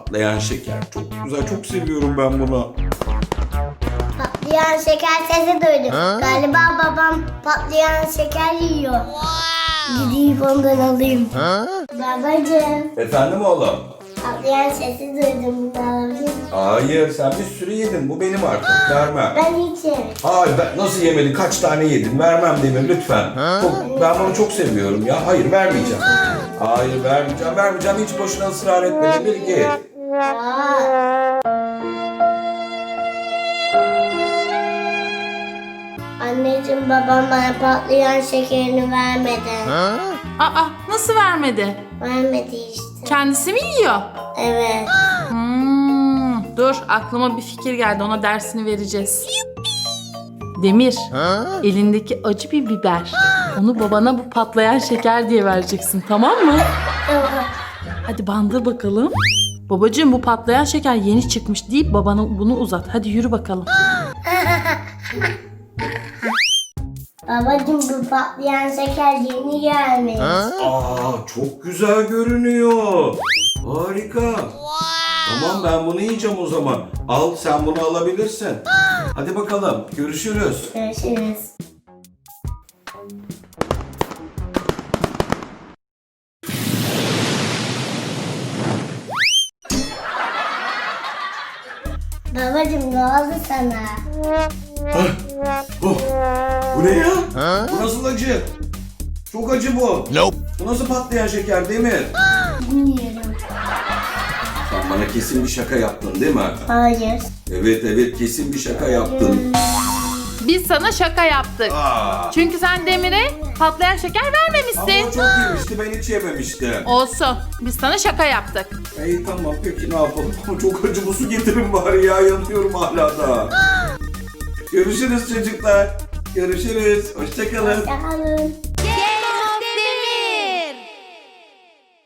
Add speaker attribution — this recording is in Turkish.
Speaker 1: Patlayan şeker. Çok güzel, çok seviyorum ben bunu.
Speaker 2: Patlayan şeker sesi duydum. Galiba babam patlayan şeker yiyor. Gideyim ondan alayım. Babacığım,
Speaker 1: Efendim oğlum?
Speaker 2: patlayan sesi duydum. Bunu alabilir miyim?
Speaker 1: Hayır, sen bir sürü yedin. Bu benim artık. Vermem.
Speaker 2: Ben hiç yemedim.
Speaker 1: Hayır, nasıl yemedin? Kaç tane yedin? Vermem Demir lütfen. Ben bunu çok seviyorum ya. Hayır, vermeyeceğim. Hayır, vermeyeceğim. Hiç boşuna ısrar etme Demir. Git.
Speaker 2: Aa. Anneciğim, babam bana patlayan şekerini vermedi.
Speaker 3: Aa, nasıl vermedi?
Speaker 2: Vermedi işte.
Speaker 3: Kendisi mi yiyor?
Speaker 2: Evet.
Speaker 3: Dur, aklıma bir fikir geldi. Ona dersini vereceğiz. Demir, elindeki acı bir biber. Onu babana bu patlayan şeker diye vereceksin, tamam mı?
Speaker 2: Tamam.
Speaker 3: Hadi bandır bakalım. Babacığım, bu patlayan şeker yeni çıkmış deyip babana bunu uzat. Hadi yürü bakalım.
Speaker 2: Babacığım, bu patlayan şeker yeni gelmiş.
Speaker 1: Çok güzel görünüyor. Harika. Tamam, ben bunu yiyeceğim o zaman. Al, sen bunu alabilirsin. Hadi bakalım, görüşürüz.
Speaker 2: Görüşürüz. Babacığım, ne oldu sana?
Speaker 1: Oh, bu ne ya? Bu nasıl acı? Çok acı bu. Bu nasıl patlayan şeker Demir?
Speaker 2: Bilmiyorum.
Speaker 1: Sen bana kesin bir şaka yaptın değil mi?
Speaker 2: Hayır.
Speaker 1: Evet, kesin bir şaka yaptın.
Speaker 3: Biz sana şaka yaptık. Çünkü sen Demir'e patlayan şeker
Speaker 1: Ama
Speaker 3: vermemişsin.
Speaker 1: o çok yemişti, ben hiç yememiştim.
Speaker 3: Olsun. Biz sana şaka yaptık.
Speaker 1: İyi tamam, peki ne yapalım? Ama çok acı, bu su getirin bari ya, yanıyorum hala da. Görüşürüz çocuklar. Görüşürüz. Hoşça kalın.
Speaker 2: Hoşçakalın.